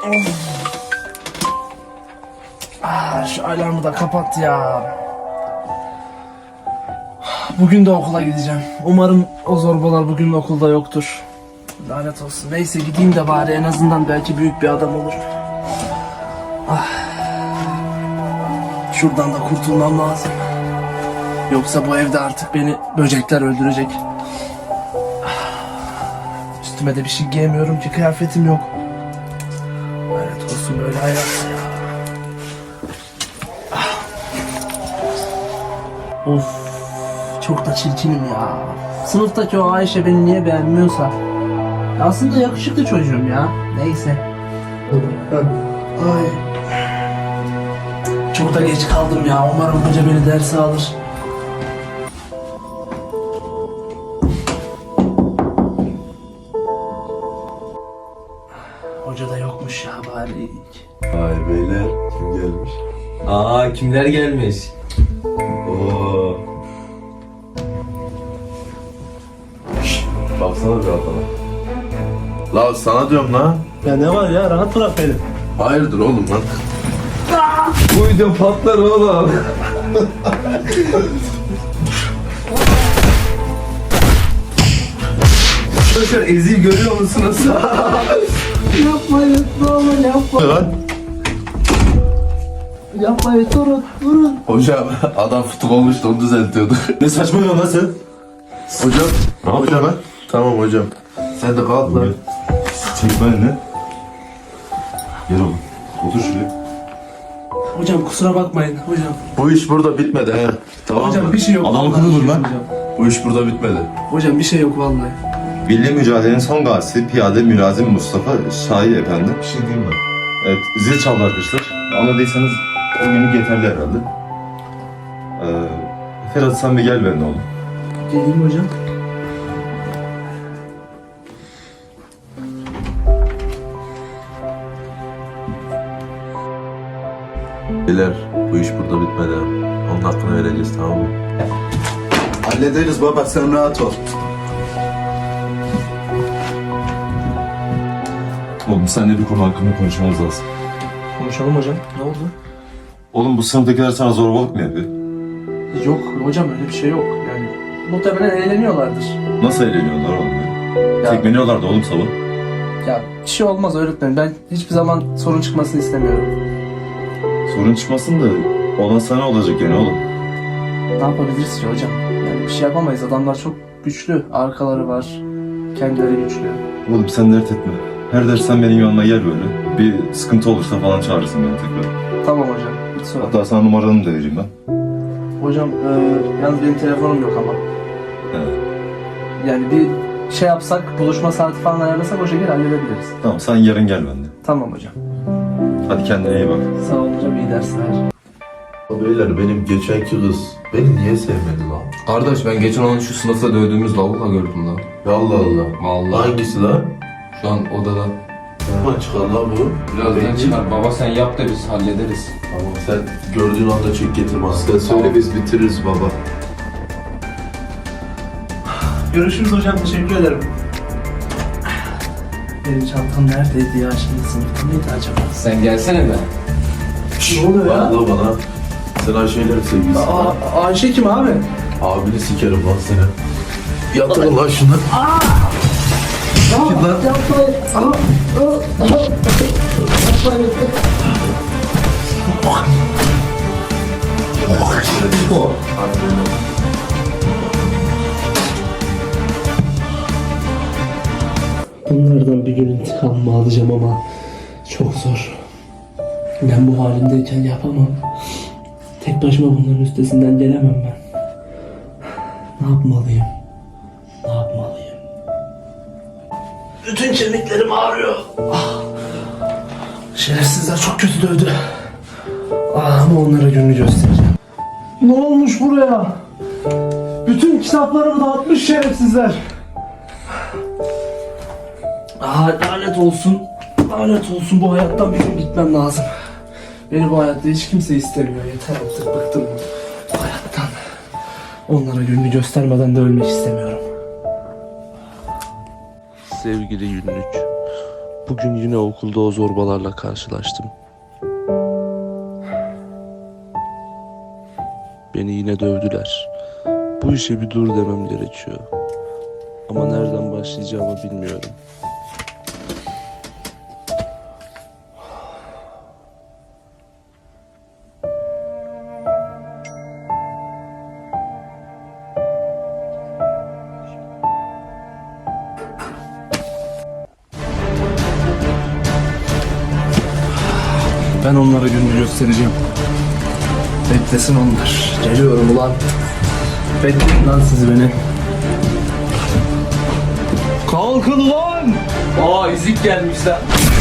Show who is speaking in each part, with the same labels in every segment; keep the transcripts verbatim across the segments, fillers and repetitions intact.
Speaker 1: Ah, şu alarmı da kapat ya. Bugün de okula gideceğim. Umarım o zorbalar bugün okulda yoktur. Lanet olsun. Neyse gideyim de bari, en azından belki büyük bir adam olur. Ah. Şuradan da kurtulmam lazım. Yoksa bu evde artık beni böcekler öldürecek. Ah. Üstüme de bir şey giyemiyorum ki, kıyafetim yok. Lanet olsun böyle hayat ya. Ah. Of. Çok da çirkinim ya. Sınıftaki o Ayşe beni niye beğenmiyorsa. Aslında yakışıklı çocuğum ya. Neyse. Ay. Çok da geç kaldım ya. Umarım hoca beni derse alır. Hoca da yokmuş ya bari.
Speaker 2: Vay beyler, kim gelmiş?
Speaker 3: Aa, kimler gelmiş?
Speaker 2: Oo. Şşt, baksana bir adama. La sana diyorum la.
Speaker 1: Ya ne var ya, rahat bırak beni.
Speaker 2: Hayırdır oğlum lan?
Speaker 3: Bu video patlar oğlum. Arkadaşlar Ezil görüyor musunuz?
Speaker 1: Yapmayın, ne olur yapmayın.
Speaker 2: Lan.
Speaker 1: Yapmayın, durun, durun.
Speaker 2: Hocam adam fıtık olmuştu, onu düzeltiyordu.
Speaker 4: Ne saçmalıyorsun lan sen?
Speaker 2: Hocam.
Speaker 4: Ne yapıyorsun lan?
Speaker 2: Tamam hocam. Sen de kalk lan.
Speaker 4: Çekme elini. Gel oğlum. Otur şuraya.
Speaker 1: Hocam kusura bakmayın hocam.
Speaker 2: Bu iş burada bitmedi he. Tamam
Speaker 1: Hocam
Speaker 2: mı?
Speaker 1: bir şey yok.
Speaker 4: Adam
Speaker 1: vallahi
Speaker 4: akıllı
Speaker 1: bir
Speaker 4: dur
Speaker 1: şey
Speaker 4: lan.
Speaker 1: yok hocam.
Speaker 2: Bu iş burada bitmedi.
Speaker 1: Hocam bir şey yok vallahi.
Speaker 4: Milli mücadelenin son gazisi Piyade Mülazim Mustafa Şahin Efendi.
Speaker 2: Bir şey diyeyim mi?
Speaker 4: Evet, zil çaldı arkadaşlar. Anladıysanız bugünlük yeterli herhalde. Ee, Ferhat sen bir gel benimle oğlum.
Speaker 1: Geleyim hocam.
Speaker 2: Beyler, bu iş burada bitmedi. Onun hakkını vereceğiz, tamam mı?
Speaker 5: Hallederiz baba, sen rahat ol.
Speaker 4: Oğlum seninle bir konu hakkında konuşmamız lazım.
Speaker 1: Konuşalım hocam. Ne oldu?
Speaker 4: Oğlum bu sınıftakiler sana zorbalık mı yapıyor?
Speaker 1: Yok hocam, öyle bir şey yok. Yani muhtemelen eğleniyorlardır.
Speaker 4: Nasıl eğleniyorlar oğlum ya?
Speaker 1: Ya,
Speaker 4: Tekmeliyorlar da oğlum sabah.
Speaker 1: ya bir şey olmaz öğretmenim. Ben hiçbir zaman sorun çıkmasını istemiyorum.
Speaker 4: Sorun çıkmasın da olan sana olacak yani oğlum.
Speaker 1: Ne yapabiliriz ki hocam? Yani bir şey yapamayız. Adamlar çok güçlü. Arkaları var. Kendileri güçlü.
Speaker 4: Oğlum sen dert etme. Her ders sen benim yanıma gel böyle. Bir sıkıntı olursa falan çağırırsın beni tekrar.
Speaker 1: Tamam hocam. Hiç sorun.
Speaker 4: Hatta sana numaranı da vereyim ben.
Speaker 1: Hocam e, yalnız benim telefonum yok ama.
Speaker 4: Evet.
Speaker 1: Yani bir şey yapsak, buluşma saati falan ayarlasak o şekilde halledebiliriz.
Speaker 4: Tamam sen yarın gel bende.
Speaker 1: Tamam hocam.
Speaker 4: Hadi kendine iyi bak.
Speaker 1: Sağ olun hocam. İyi dersler.
Speaker 2: Beyler, benim geçenki kız beni niye sevmedi lan?
Speaker 3: Kardeş ben geçen onu şu sınıfta dövdüğümüz lavukla gördüm lan.
Speaker 2: Allah Allah.
Speaker 3: Vallahi
Speaker 2: Hangisi lan?
Speaker 3: şu an odada.
Speaker 2: Ama çıkar lan bu.
Speaker 3: Birazdan
Speaker 2: Belki-
Speaker 3: çıkar. Baba sen yap da biz hallederiz.
Speaker 2: Tamam, sen gördüğün anda çek getir bana. Sen söyle, biz bitiririz baba.
Speaker 1: Görüşürüz hocam. Teşekkür ederim. Benim çantam neredeydi ya? Şimdi sınıfta mıydı acaba?
Speaker 3: Sen gelsene be.
Speaker 1: Ne oluyor ya?
Speaker 2: Bak la bana. Sen Ayşe'yle sevgilisin.
Speaker 1: Aa, Ayşe kim abi?
Speaker 2: Abini sikerim lan seni. Yatırın lan şunu.
Speaker 1: Git lan. Yapmayın. Aa, aa, aa. Yapmayın. Bunlardan bir gün intikamımı alacağım ama çok zor. Ben bu halimdeyken yapamam. Tek başıma bunların üstesinden gelemem ben. Ne yapmalıyım? Ne yapmalıyım? Bütün kemiklerim ağrıyor. Ah. Şerefsizler çok kötü dövdü. Ah, ama onlara gününü göstereceğim. Ne olmuş buraya? Bütün kitaplarımı dağıtmış şerefsizler. Ah, lanet olsun. Lanet olsun, bu hayattan bir gün gitmem lazım. Beni bu hayatta hiç kimse istemiyor. Yeter artık, bıktım bu hayattan. Onlara gününü göstermeden de ölmek istemiyorum.
Speaker 6: Sevgili Günlük,
Speaker 1: Bugün yine okulda o zorbalarla karşılaştım. Beni yine dövdüler. Bu işe bir dur demem gerekiyor. Ama nereden başlayacağımı bilmiyorum. Ben onlara gününü göstereceğim. Beklesin onlar. Geliyorum ulan. Bekleyin lan siz beni. Kalkın lan!
Speaker 3: Aa ezik gelmişler.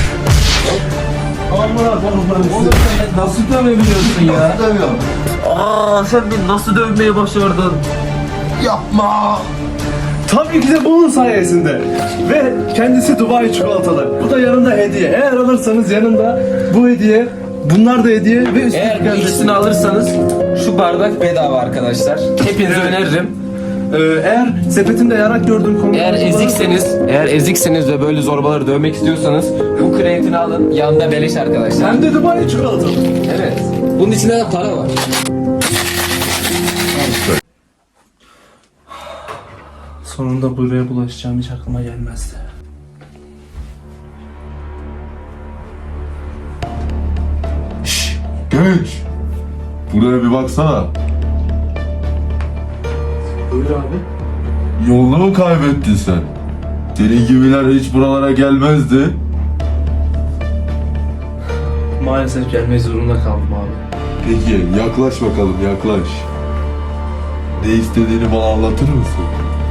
Speaker 1: Aman Allah'ım.
Speaker 3: Oğlum sen nasıl dövebiliyorsun ya?
Speaker 5: Demiyorum.
Speaker 3: Aa sen beni nasıl dövmeye başardın?
Speaker 5: Yapma.
Speaker 1: Tabii ki de bunun sayesinde. Ve kendisi Dubai çikolatalı. Bu da yanında hediye. Eğer alırsanız yanında bu hediye, bunlar da hediye ve üstelik
Speaker 3: Eğer bu
Speaker 1: kendisi-
Speaker 3: ikisini alırsanız şu bardak bedava arkadaşlar. Hepinize öneririm.
Speaker 1: Ee, eğer sepetimde yarak gördüğüm konu...
Speaker 3: Eğer ezikseniz, eğer ezikseniz ve böyle zorbaları dövmek istiyorsanız bu kreatini alın. Yanında beleş arkadaşlar.
Speaker 1: Hem de Dubai çikolatalı.
Speaker 3: Evet. Bunun içinde de para var.
Speaker 1: Sonunda buraya bulaşacağım hiç aklıma gelmezdi.
Speaker 2: Şşş genç. Buraya bir baksana.
Speaker 1: Buyur abi.
Speaker 2: Yolunu mu kaybettin sen? Senin gibiler hiç buralara gelmezdi.
Speaker 1: Maalesef gelmek zorunda kaldım abi.
Speaker 2: Peki yaklaş bakalım yaklaş. Ne istediğini bana anlatır mısın?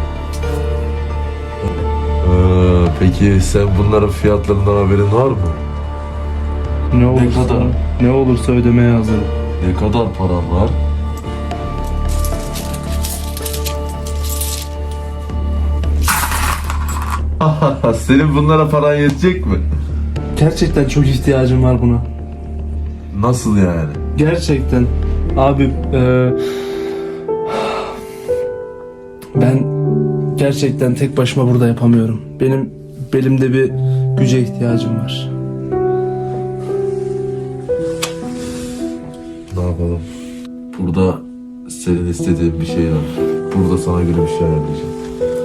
Speaker 2: Ee, peki sen bunların fiyatlarından haberin var mı?
Speaker 1: Ne olursa,
Speaker 2: kadar?
Speaker 1: ne olursa ödemeye hazırım.
Speaker 2: Ne kadar paran var? Senin bunlara paran yetecek mi?
Speaker 1: Gerçekten çok ihtiyacım var buna.
Speaker 2: Nasıl yani?
Speaker 1: Gerçekten. Abi e, ben gerçekten tek başıma burada yapamıyorum. Benim belimde bir güce ihtiyacım var.
Speaker 2: Ne yapalım? Burada senin istediğin bir şey var. Burada sana göre bir şey ayarlayacağım.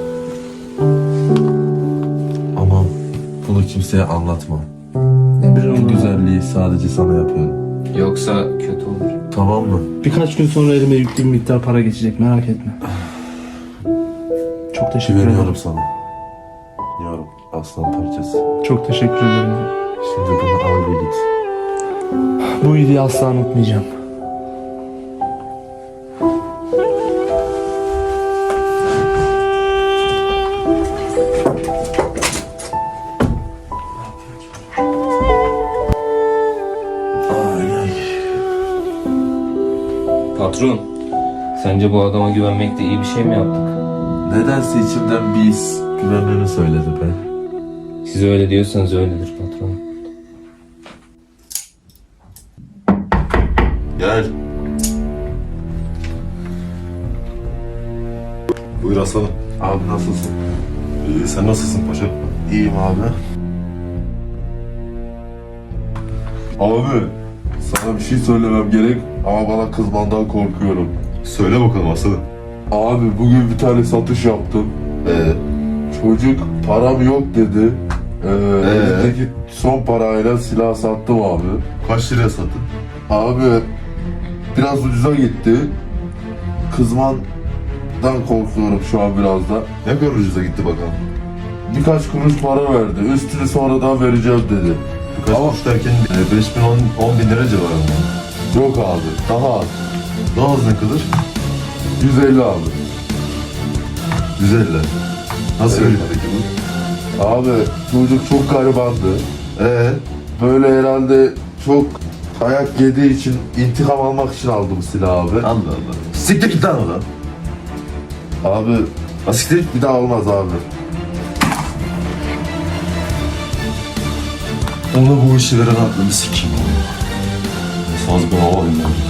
Speaker 2: Ama bunu kimseye anlatma. Bu güzelliği sadece sana yapıyorum.
Speaker 3: Yoksa kötü olur.
Speaker 2: Tamam mı?
Speaker 1: Birkaç gün sonra elime yüklü bir miktar para geçecek, merak etme. Çok teşekkür ederim.
Speaker 2: Güveniyorum sana. Güveniyorum. Aslan parçası.
Speaker 1: Çok teşekkür ederim.
Speaker 2: Şimdi bunu al ve git.
Speaker 1: Bu iyiliği asla unutmayacağım.
Speaker 2: Ay ay.
Speaker 3: Patron, sence bu adama güvenmekte iyi bir şey mi yaptık?
Speaker 2: Nedense içimden bir his güvenmemi söyledi be.
Speaker 3: Siz öyle diyorsanız öyledir patron.
Speaker 2: Gel.
Speaker 4: Buyur aslanım.
Speaker 2: Abi nasılsın?
Speaker 4: İyi, sen nasılsın paşa?
Speaker 2: İyiyim abi. Abi sana bir şey söylemem gerek ama bana kızmandan korkuyorum.
Speaker 4: Söyle bakalım aslanım.
Speaker 2: Abi bugün bir tane satış yaptım.
Speaker 4: Ee,
Speaker 2: Çocuk param yok dedi. Ee, elindeki son parayla silah sattım abi.
Speaker 4: kaç liraya sattın?
Speaker 2: Abi biraz ucuza gitti. Kızmandan korkuyorum şu an biraz da.
Speaker 4: Ne kadar ucuza gitti bakalım.
Speaker 2: Birkaç kuruş para verdi. Üstünü sonradan vereceğim dedi.
Speaker 4: Birkaç
Speaker 2: Ama-
Speaker 4: kuruş derken e, beş bin on bin lira civarında.
Speaker 2: Yok abi. Daha az.
Speaker 4: Daha az ne kadar?
Speaker 2: yüz elli abi.
Speaker 4: yüz elli. Nasıl
Speaker 2: Evet.
Speaker 4: öyle peki bu?
Speaker 2: Abi çocuk çok garibandı. Ee, böyle herhalde çok dayak yediği için intikam almak için aldım silahı abi.
Speaker 4: Allah Allah. Siktir git lan oradan.
Speaker 2: Abi
Speaker 4: Asiktir.
Speaker 2: bir daha olmaz abi.
Speaker 4: Ona bu işi veren aklını sikeyim. Saz bir hava alayım ben.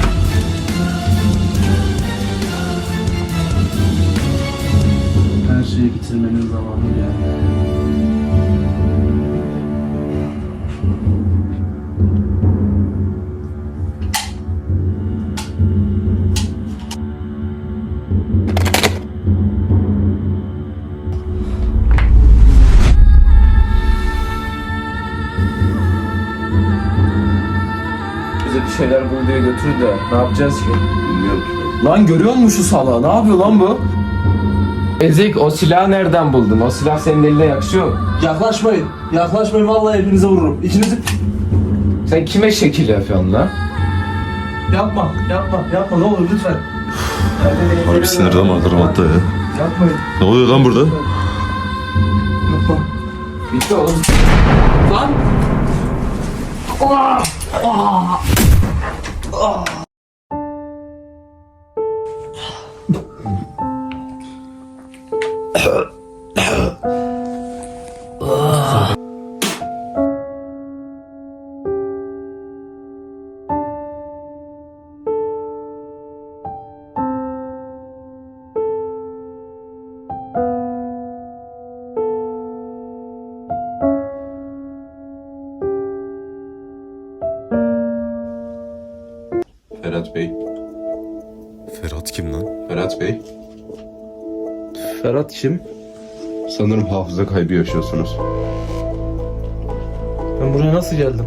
Speaker 1: Her karşıya getirmenin zamanı geldi.
Speaker 3: Bize bir şeyler bul diye götür de ne yapacağız ki?
Speaker 2: Bilmiyorum ki.
Speaker 3: Lan görüyor musun şu salağı? Ne yapıyor lan bu? Ezik, o silahı nereden buldun? O silah senin eline yakışıyor mu?
Speaker 1: Yaklaşmayın. Yaklaşmayın, vallahi hepinize vururum. İkinizi...
Speaker 3: Sen kime şekil yapıyorsun lan?
Speaker 1: Yapma, yapma, yapma. Ne olur lütfen.
Speaker 4: Harbi sinirden vardır hatta ya.
Speaker 1: Yapmayın.
Speaker 4: Ne oluyor lan burada?
Speaker 1: Yapma.
Speaker 3: Bitti oğlum.
Speaker 1: Lan!
Speaker 6: Ferhat Bey.
Speaker 4: Ferhat kim lan?
Speaker 6: Ferhat Bey.
Speaker 1: Ferhat kim?
Speaker 6: Sanırım hafıza kaybı yaşıyorsunuz.
Speaker 1: Ben buraya nasıl geldim?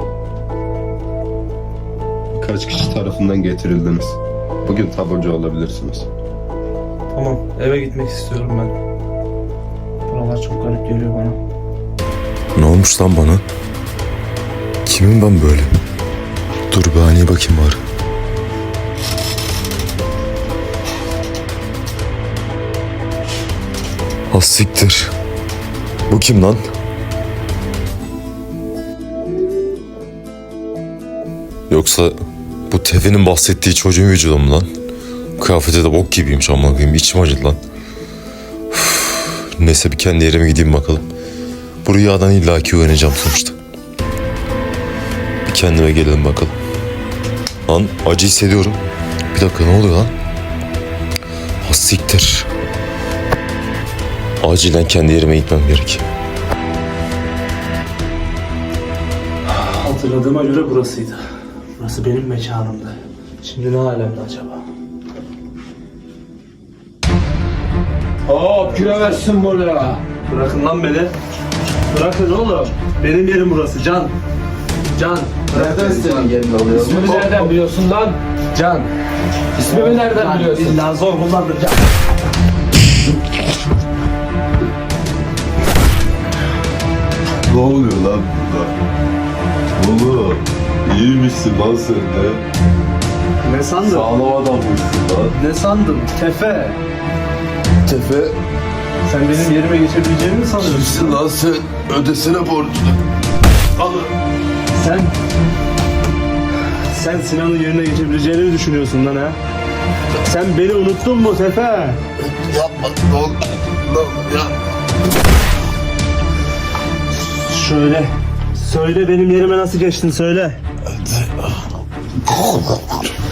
Speaker 6: Birkaç kişi tarafından getirildiniz. Bugün taburcu olabilirsiniz.
Speaker 1: Tamam, eve gitmek istiyorum ben. Buralar çok garip geliyor bana.
Speaker 4: Ne olmuş lan bana? Kimim ben böyle? Dur bir haneye bakayım bari. Az siktir. Bu kim lan? Yoksa bu Tefe'nin bahsettiği çocuğun vücudu mu lan? Kıyafeti de bok gibiymiş ama koyayım. İçim acıdı lan. Üf. Neyse bir kendi yerime gideyim bakalım. Bu rüyadan illaki uyanacağım sonuçta. Bir kendime gelelim bakalım. Lan acı hissediyorum. Bir dakika ne oluyor lan? Ha siktir. Acilen kendi yerime gitmem gerek.
Speaker 1: Hatırladığıma göre burasıydı. Burası benim mekanımdı. Şimdi ne alemde acaba?
Speaker 3: Hop giremezsin buraya.
Speaker 1: Bırakın lan beni. Bırakın oğlum. Benim yerim burası Can. Can.
Speaker 3: Nereden senin yerinde oluyor? İsmimi nereden biliyorsun lan? Can. İsmimi nereden biliyorsun?
Speaker 1: İlla zor kullandır Can.
Speaker 2: Ne oluyor lan burada? Oğlum iyi misin lan sen de?
Speaker 1: Ne sandın?
Speaker 2: Sağlam adammışsın lan.
Speaker 1: Ne sandın? Tefe.
Speaker 2: Tefe
Speaker 1: Sen benim yerime geçebileceğini mi sanıyorsun?
Speaker 2: kimsin lan sen? Ödesene borcunu.
Speaker 1: Sen... Sen Sinan'ın yerine geçebileceğini mi düşünüyorsun lan ha? Sen beni unuttun mu Tefe?
Speaker 2: Yapma ne olur. Lan ya.
Speaker 1: Şöyle. Söyle benim yerime nasıl geçtin söyle.